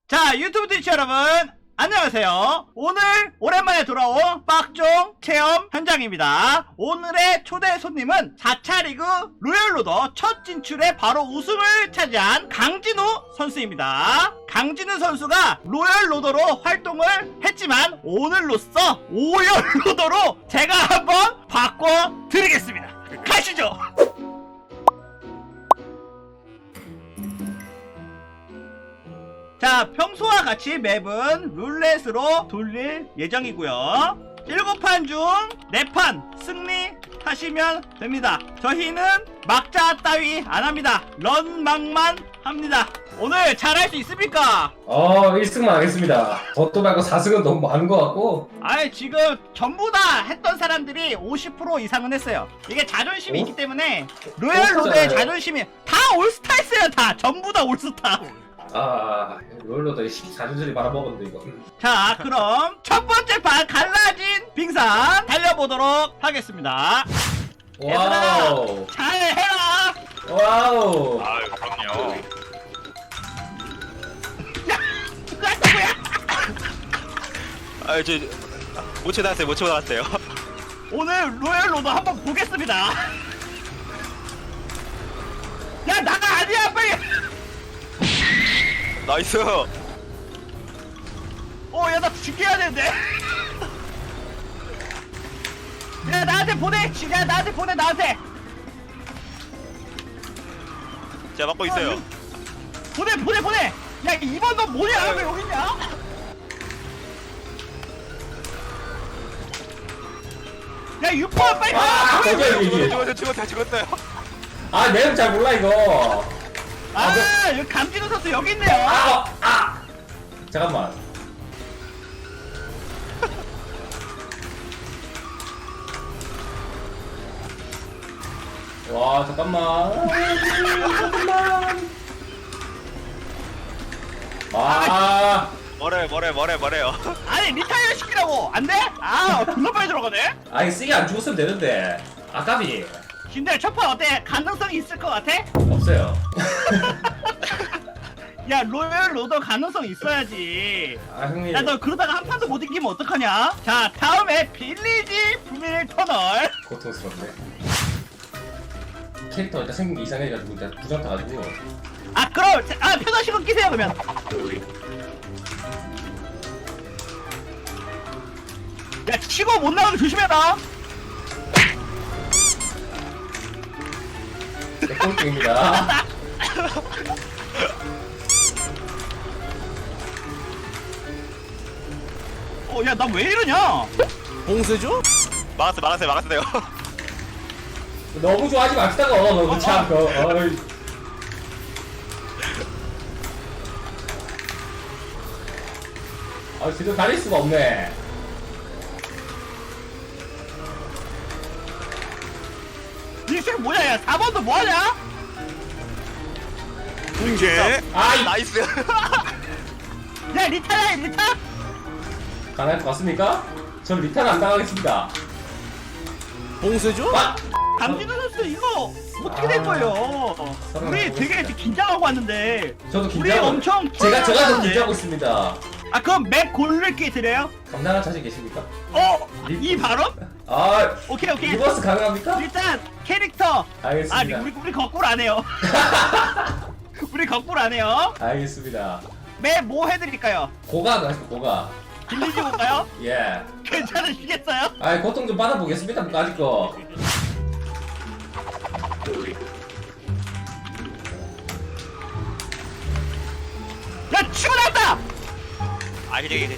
자, 유튜브 트위치 여러분 안녕하세요. 오늘 오랜만에 돌아온 빡종 체험 현장입니다. 오늘의 초대 손님은 4차 리그 로열로더 첫 진출에 바로 우승을 차지한 강진우 선수입니다. 강진우 선수가 로열로더로 활동을 했지만 오늘로써 오열로더로 제가 한번 바꿔드리겠습니다. 가시죠. 자, 평소와 같이 맵은 룰렛으로 돌릴 예정이고요. 7판 중 4판 승리하시면 됩니다. 저희는 막자 따위 안합니다. 런막만 합니다. 오늘 잘할 수 있습니까? 1승만 하겠습니다. 저도 말고 4승은 너무 많은 것 같고. 아니, 지금 전부 다 했던 사람들이 50% 이상은 했어요. 이게 자존심이 오? 있기 때문에 로열로드의 올스타잖아요. 자존심이 다 올스타 했어요. 다 전부 다 올스타. 롤러도 14주들이 말아먹었는데 이거. 자, 그럼 첫 번째 판 갈라진 빙산 달려보도록 하겠습니다. 와우. 잘해라. 와우. 아유 그럼요. 누가 누구야? 아유 저 못 쳐놨어요. 못 쳐놨어요. 오늘 로열로드 한번 보겠습니다. 야, 나가 아니야, 빨리. 나이스. 야, 나 죽여야 되는데. 야, 나한테 보내. 야, 나한테 보내, 나한테. 제가 막고 있어요. 보내. 야, 이번 너 뭐냐? 왜 여기 있냐? 야, 6번 빨리 가. 저기 죽었어요. 내용 잘 몰라 이거. 여기 감진우 선수 여기 있네요. 잠깐만. 와, 잠깐만. 뭐래요. 아니, 리타이어 시키라고. 안 돼? 존나 빨리 들어가네. 이거 쓰기 안 죽었으면 되는데. 아깝이. 근데 첫판 어때? 가능성이 있을 것 같아? 없어요. 야, 로열 로더 가능성 있어야지. 형님. 야, 너 그러다가 한 판도 못 이기면 어떡하냐? 자, 다음에 빌리지 부밀 터널. 고통스럽네. 캐릭터 일단 생긴 게 이상해가지고 일단 부정 타가지고. 그럼 편하시고 끼세요 그러면. 야, 치고 못 나가게 조심해라. 꼴등입니다. 야, 나 왜 이러냐? 봉쇄죠? 막았어요. 너무 좋아하지 맙시다가 너무 참. 지금 다닐 수가 없네. 이 새끼 뭐야? 야, 4번도 뭐하냐? 붕괴. 나이스. 야, 리타야, 리타? 가능할 것 같습니까? 전 리타는 안 당하겠습니다. 봉쇄죠? 강진우 선수 이거 어떻게 된 거예요? 우리 되게 긴장하고 왔는데. 저도 우리 긴장하고. 엄청 제가 더 긴장하는데. 긴장하고 있습니다. 그럼 맵 고를게 드려요? 감당할 자신 계십니까? 이 발언? 오케이. 리버스 가능합니까? 일단 캐릭터. 알겠습니다. 우리 거꾸로 안 해요. 우리 거꾸로 안 해요. 알겠습니다. 맵 뭐 해드릴까요? 고가 가시고 고가. 빌리지 볼까요? 예. 괜찮으시겠어요? 고통 좀 받아보겠습니다. 아직 거. 야, 치고 나왔다! 그냥.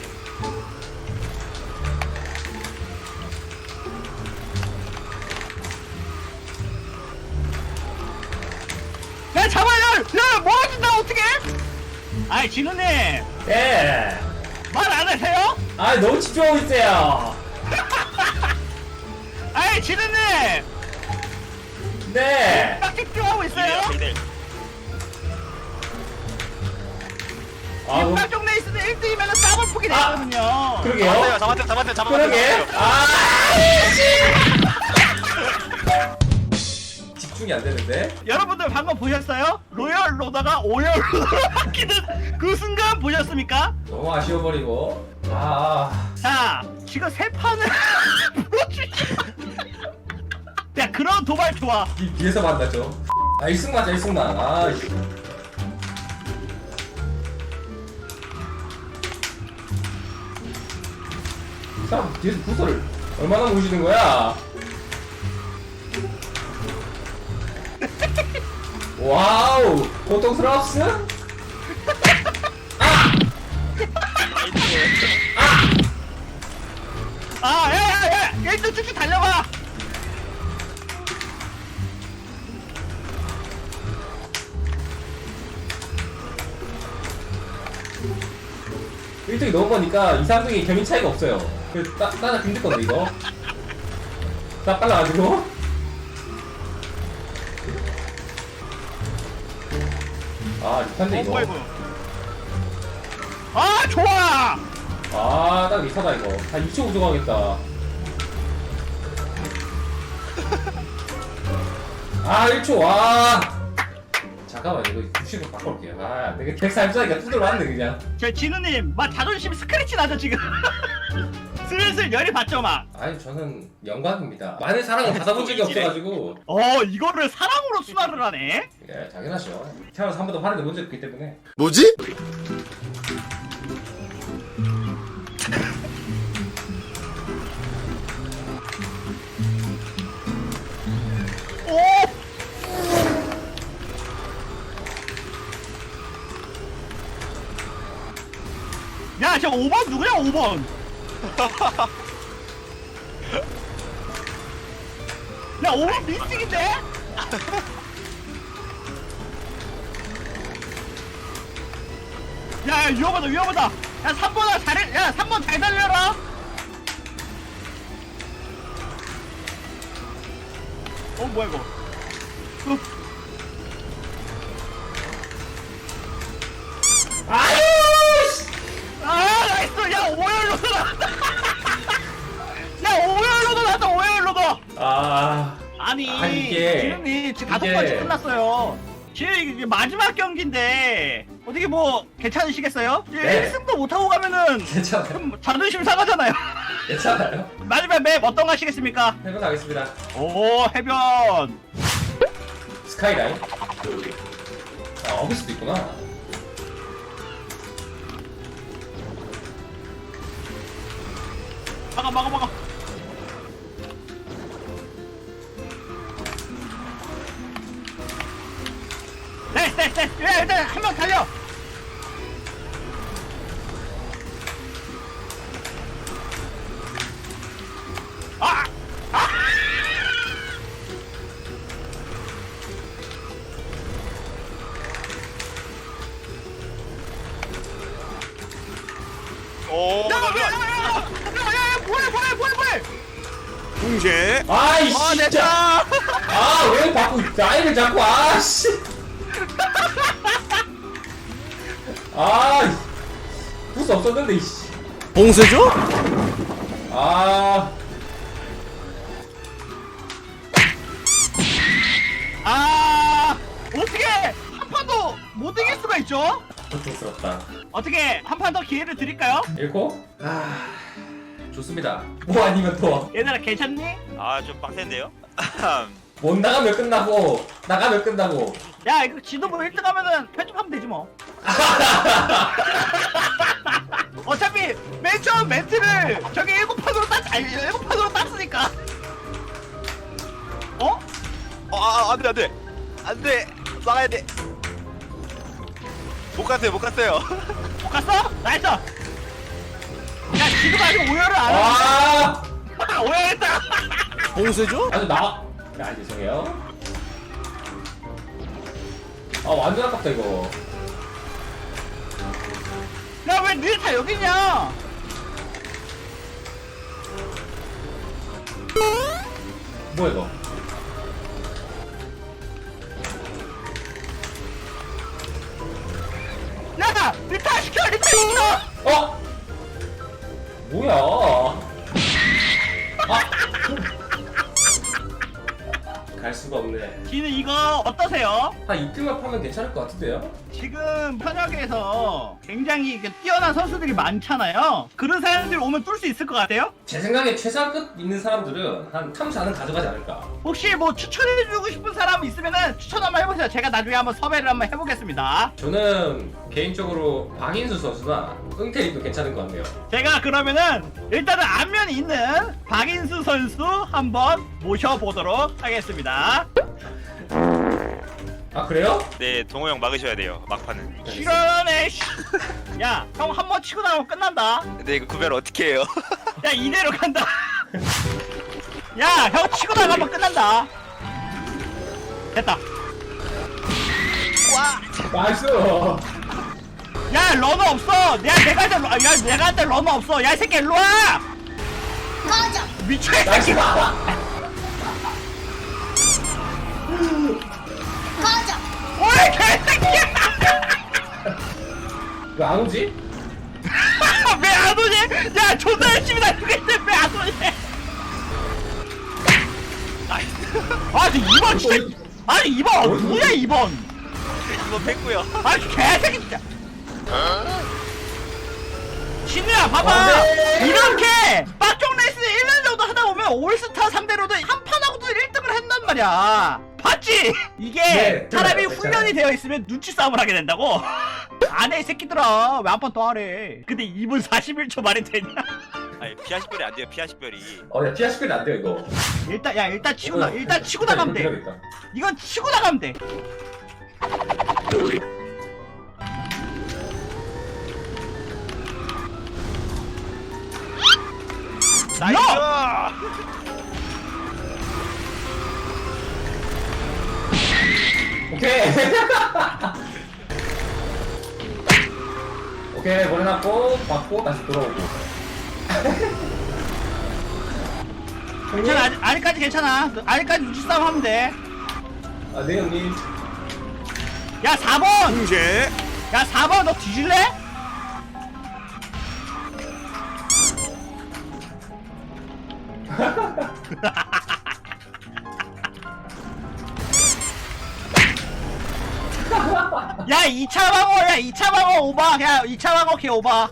야, 잡아요! 야, 멀어진다, 어떡해! 진우님, 예. 말 안 하세요? 너무 집중하고 있어요. 진우님! 네. 딱 집중하고 있어요? 너무. 빡종 레이스는 1등이면 싹을 푸게 되거든요. 그러게요. 잡았어요. 그러게. 집중이 안 되는데. 여러분들 방금 보셨어요? 로열 로다가 오열 로다로 바뀌는 그 순간 보셨습니까? 너무 아쉬워버리고. 아, 자, 지금 세 판을 풀어주시. 야, 그런 도발 좋아. 뒤에서 만나죠. 아, 1승만, 1승만. 아, 이 사람 뒤에서 부서를 얼마나 모시는 거야? 와우, 고통스러웠어? 아, 야, 야, 야, 일단 쭉쭉 달려봐. 일등이 넘어가니까 2, 3등이 개민 차이가 없어요. 그 따라 힘들 건데 이거. 딱 빨라가지고. 아, 리탄데 이거. 뭐야, 이거. 아, 좋아. 아, 딱 리타다 이거. 한 2초 우승하겠다. 아, 1초 와. 잠깐만 이거 90을 바꿔올게요. 아, 안되겠다. 140짜리가 두드러 왔네 그냥. 저 진우님, 막 자존심 스크래치 나죠 지금. 슬슬 열이 받죠 막. 아니 저는 영광입니다. 많은 사랑을 받아본 적이 없어가지고. 이거를 사랑으로 순화를 하네. 예, 당연하죠. 태어나서 한 번도 화를 내본 적이 없기 때문에. 뭐지? 오. 야, 저 5번 누구야 5번? 야, 5번 민증인데? 야, 야, 위험하다 위험하다. 야, 3번아 잘해. 야, 3번 잘 달려라. 뭐야 이거? 아유! 아, 나이스. 야, 오열로도 나왔다. 야, 오열로도 나왔다. 오열로도. 아니 이게 지금이 지금 5번째 끝났어요. 지금 이게 마지막 경기인데 어떻게 뭐 괜찮으시겠어요? 네. 1승도 못하고 가면은 괜찮아요. 좀 자존심 상하잖아요. 괜찮아요. 마지막 맵 어떤 거 하시겠습니까? 해보겠습니다. 오, 해변. 스카이라인. 아, 어비스도 있구나. 막아. 네. 야, 일단 한 명 달려. 아! 오. 야, 뭐해? 붕괴. 아이 내 진짜. 차. 아, 왜 자꾸 라인을 잡고 아씨. 아, 부스 없었는데 이씨. 봉쇄죠? 아, 어떻게 한 판도 못 이길 수가 있죠? 고통스럽다. 어떻게 한 판 더 기회를 드릴까요? 읽고? 아, 좋습니다. 뭐 아니면 또. 얘들아 괜찮니? 아좀 빡센데요? 못 나가면 끝나고, 나가면 끝나고. 야, 이거 지도부 1등 하면은 편집하면 되지 뭐. 어차피 맨 처음 멘트를 저기 7판으로 땄으니까. 어? 안돼 막아야 돼. 못 갔어요. 못 갔어? 나이스. 야, 지금 아직 오열을 안 아, 하네. 오열했다. 봉쇄죠? 아주 나. 아, 죄송해요. 아, 완전 아깝다 이거. 야, 왜 니네 다 여기 있냐? 뭐야 이거? 야, 리타 시켜. 어? 뭐야? 아, 갈 수가 없네. 지는 이거 어떠세요? 한 이틀만 파면 괜찮을 것 같은데요? 지금 현역에서 굉장히 뛰어난 선수들이 많잖아요. 그런 사람들 오면 뚫을 수 있을 것 같아요? 제 생각에 최상급 있는 사람들은 한 3, 4는 가져가지 않을까. 혹시 뭐 추천해주고 싶은 사람 있으면은 추천 한번 해보세요. 제가 나중에 한번 섭외를 한번 해보겠습니다. 저는 개인적으로 박인수 선수나 은퇴리도 괜찮은 것 같네요. 제가 그러면은 일단은 안면이 있는 박인수 선수 한번 모셔보도록 하겠습니다. 아 그래요? 네, 동호 형 막으셔야 돼요. 막판은. 실현해. 야, 형 한 번 치고 나가면 끝난다. 근데 이거 구별 어떻게 해요? 야, 이대로 간다. 야, 형 치고 나가면 끝난다. 됐다. 나이스! 야, 러너 없어. 내가 할 때, 내가 할 때 러너 없어. 야, 이 새끼 일로 와. 꺼져. 미쳐 이 나이스! 새끼. 꺼져. 오이 개새끼야. 왜 안 오지? 왜 안 오지? 야, 존나 열심히 달리겠는데 왜 안 오지? 아니 2번 진짜. 아니 2번 누구야 2번? 이거 뺐고요. 아니 개새끼 진짜. 진우야 봐봐. 안 돼. 이렇게 빡종 레이스 1년 정도 하다 보면 올스타 상대로도 한 판하고도 1등을 한단 말이야. 봤지? 이게 네, 사람이 맞아요. 훈련이 되어 있으면 눈치 싸움을 하게 된다고. 안 해 이 새끼들아. 왜 한 판 더 하래? 근데 2분 41초 말이 되냐? 아니 피하 식별이 안 돼요. 피하 식별이. 야 피아 시킬이 안 돼요 이거. 일단 치고 나 일단 치고 나가면 돼. 해야겠다. 이건 치고 나가면 돼. 나이스. 오케이. 오케이 보내놨고 받고 다시 돌아오고. 괜찮아. 아직까지 괜찮아. 아직까지 눈치 싸움 하면 돼. 아 네 형님. 야 4번. 공제. 야 4번 너 뒤질래? 야 2차 방어야 2차 방어 오바. 야 2차 방어 개 오바.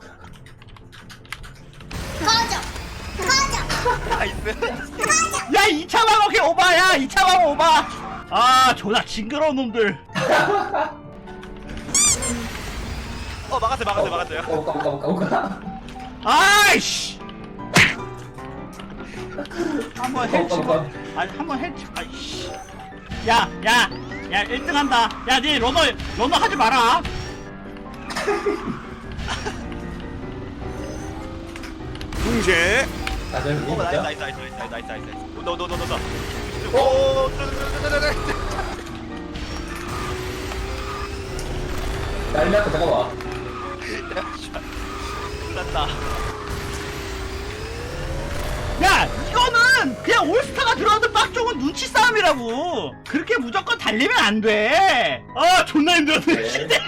꺼져. 꺼져. 나이스. 야 2차 방어 개 오바야. 2차 방어 오바. 아 존나 징그러운 놈들. 막았어요. 오까. 아이씨. 한번 헬치고. 오까. 아니 한번 헬치. 아이씨. 야 1등 한다. 야 니 러너 하지 마라. 공제. 아 네, 형님. 나이스. 노. 오. 난리 났다 잠깐만. 났다. 야 이거는 그냥 올스타가 들어와도 빡종은 눈치 싸움이라고. 그렇게 무조건 달리면 안 돼. 아 존나 힘들었네. 네.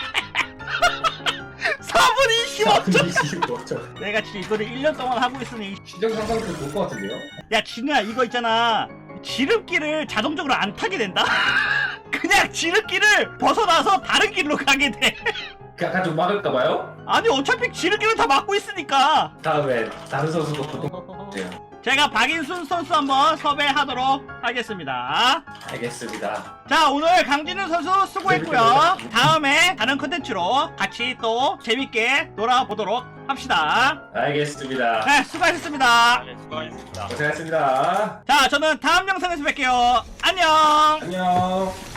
4분 25초. 뭐죠? 내가 진짜 이거를 1년 동안 하고 있으니. 시정 상상도 볼 것 같은데요? 야 진우야 이거 있잖아. 지름길을 자동적으로 안 타게 된다. 그냥 지름길을 벗어나서 다른 길로 가게 돼. 약간 좀 막을까봐요? 아니 어차피 지름길은 다 막고 있으니까. 다음에 다른 선수도 보통 돼요. 제가 박인순 선수 한번 섭외하도록 하겠습니다. 알겠습니다. 자 오늘 강진우 선수 수고했고요. 다음에 다른 컨텐츠로 같이 또 재밌게 놀아보도록 합시다. 알겠습니다. 네 수고하셨습니다. 네, 수고하셨습니다. 고생하셨습니다. 자 저는 다음 영상에서 뵐게요. 안녕. 안녕.